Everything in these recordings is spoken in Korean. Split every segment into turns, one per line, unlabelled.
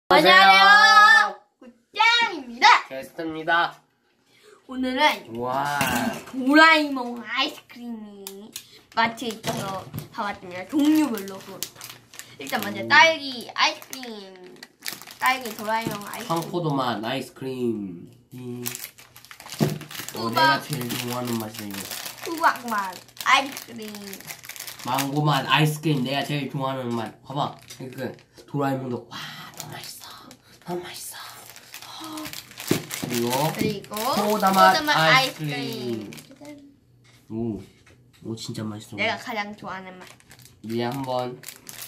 안녕하세요. 굿짱입니다.
게스트입니다.
오늘은
와,
도라에몽 아이스크림이 마트에 있어서 사왔습니다. 종류별로. 일단 먼저 딸기 아이스크림. 딸기 도라에몽 아이스크림.
황포도맛 아이스크림.
수박.
내가 제일 좋아하는 맛이야 이거.
수박맛 아이스크림.
망고맛 아이스크림 내가 제일 좋아하는 맛. 봐봐, 그 도라에몽도 와 너무 맛있어, 너무 맛있어. 그리고 소다맛 아이스크림. 오 진짜 맛있어.
내가 가장 좋아하는 맛.
이제 한번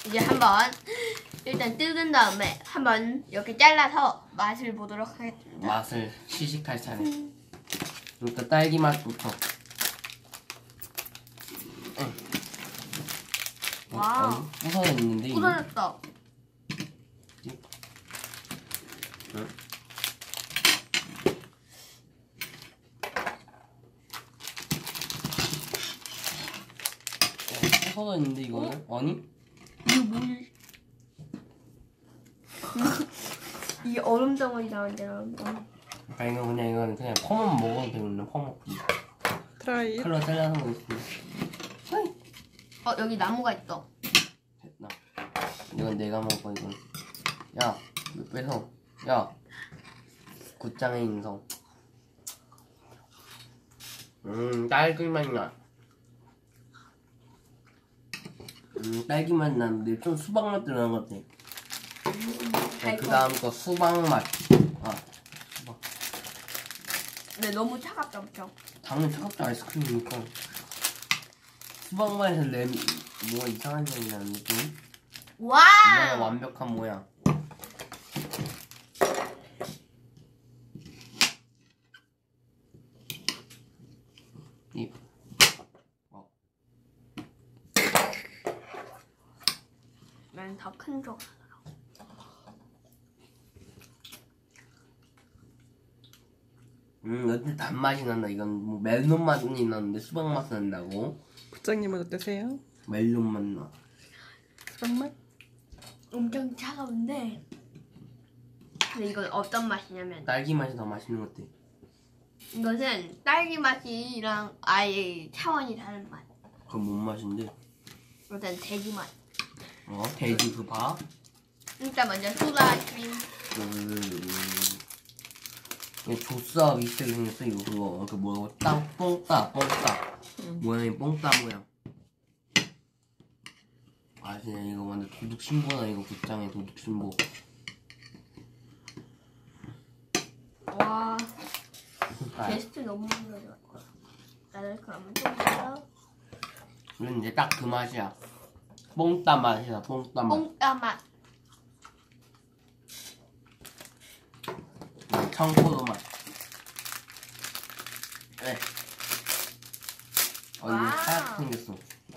일단 뜯은 다음에 한번 이렇게 잘라서 맛을 보도록 하겠습니다.
맛을 시식할 차례. 일단 딸기 맛부터.
와우.
부서져 있는데.
부서졌어.
응? 부서져 있는데 이거는? 아니?
이거 뭘? 이게 얼음 덩어리 나온대. 얼음덩어리.
아 이거는 그냥 펌만 먹어도 되겠네. 펌먹기.
트라이.
칼로 잘라서 먹었어.
여기 나무가 있어.
됐나? 이건 내가 먹어 이건. 야, 뺏어. 야, 굿장의 인성. 딸기 맛 나. 딸기 맛 나는데 좀 수박 맛 들어간 것 같아. 그 다음 거 수박 맛. 아, 수박.
근데 너무 차갑다, 엄청.
당연히 차갑다 아이스크림이니까. 수박 맛에서 뭐가 이상한 향이 나는 느낌?
와!
이거는 완벽한 모양.
난 더 큰 거.
여튼 단맛이 난다. 이건 뭐 멜론 맛이 나는데 수박 맛이 난다고?
부장님은 어떠세요?
멜론 맛 나.
수박맛?
엄청 차가운데. 근데 이건 어떤 맛이냐면
딸기 맛이 더 맛있는 것 같아.
이것은 딸기 맛이랑 아예 차원이 다른 맛.
그건 뭔 맛인데?
일단 돼지 맛.
돼지 그 봐.
일단 먼저 소다 아이스크림.
조스와 비슷하게 생겼어 이거 그거. 그 뭐라고 뽕따. 모양이 뽕따 모양. 아 진짜 이거 완전 도둑 신고다 이거. 굿장의 도둑 신고.
와. 게스트 너무 좋아. 나를 그러면 좀 더.
이건 이제 딱 그 맛이야. 뽕따 맛이야. 뽕따 맛.
뽕따 맛.
청포도 맛. 네. 이게
와우.
하얗게 생겼어.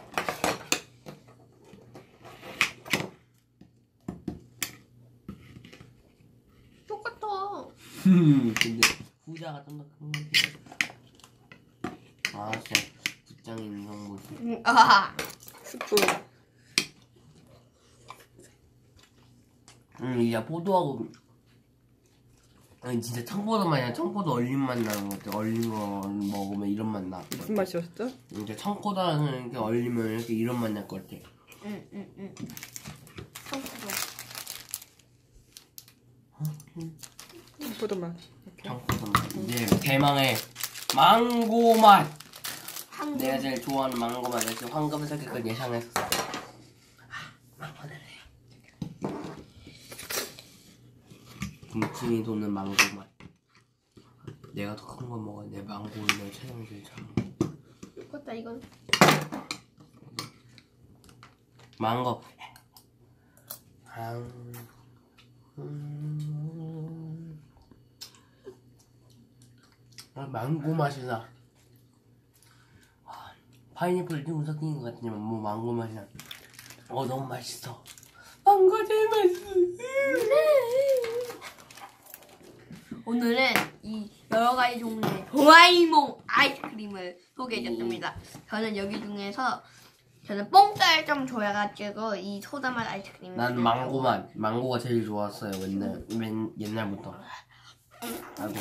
똑같아.
근데 후자가 좀 더 큰 것 같아. 아 진짜 굿장의 인성 모습.
아.
스프.
이제 포도하고 아니 진짜 청포도 맛이야. 청포도 얼린 맛 나는 것 같아. 얼린 거 먹으면 이런 맛 나.
무슨 맛이었죠?
이제 청포도는 이렇게 얼리면 이렇게 이런 맛 날 것 같아.
응. 청포도.
청포도 맛. 이렇게.
청포도 맛. 이제 대망의 망고 맛.
한국.
내가 제일 좋아하는 망고 맛. 내가 지금 황금색을 예상했었어. 망고는 해. 군침이 도는 망고 맛. 내가 더 큰 거 먹어. 내 망고는 내가 체중이 제일 잘 먹어.
똑같다 이건.
망고. 망고 맛이 나. 파인애플 좀 섞인 것 같지만 뭐 망고 맛이 나. 너무 맛있어. 망고 제일 맛있어.
오늘은 이 여러 가지 종류의 도라에몽 아이스크림을 소개해줬습니다. 저는 여기 중에서 저는 뽕살 좀 좋아해가지고 이 소다맛 아이스크림.
난 망고맛. 망고가 제일 좋았어요. 옛날부터. 아이고.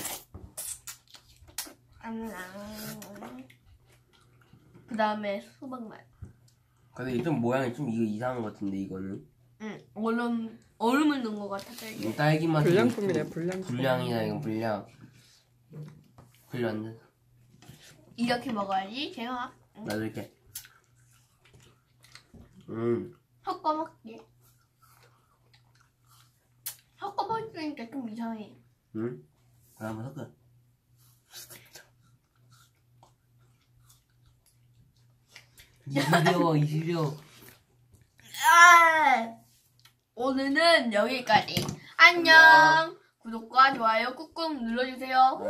그 다음에 수박맛.
근데 좀 모양이 좀 이거 이상한 것 같은데 이거는.
응, 얼음을 넣은 것 같아서 이게.
딸기 맛.
불량품이래, 불량품.
불량이다 이거 불량. 불량.
이렇게 먹어야지 제가.
나도 이렇게.
섞어 먹기. 섞어 먹으니까 좀 이상해.
응? 한번 섞어. 이시려.
오늘은 여기까지. 안녕. 구독과 좋아요 꾹꾹 눌러주세요.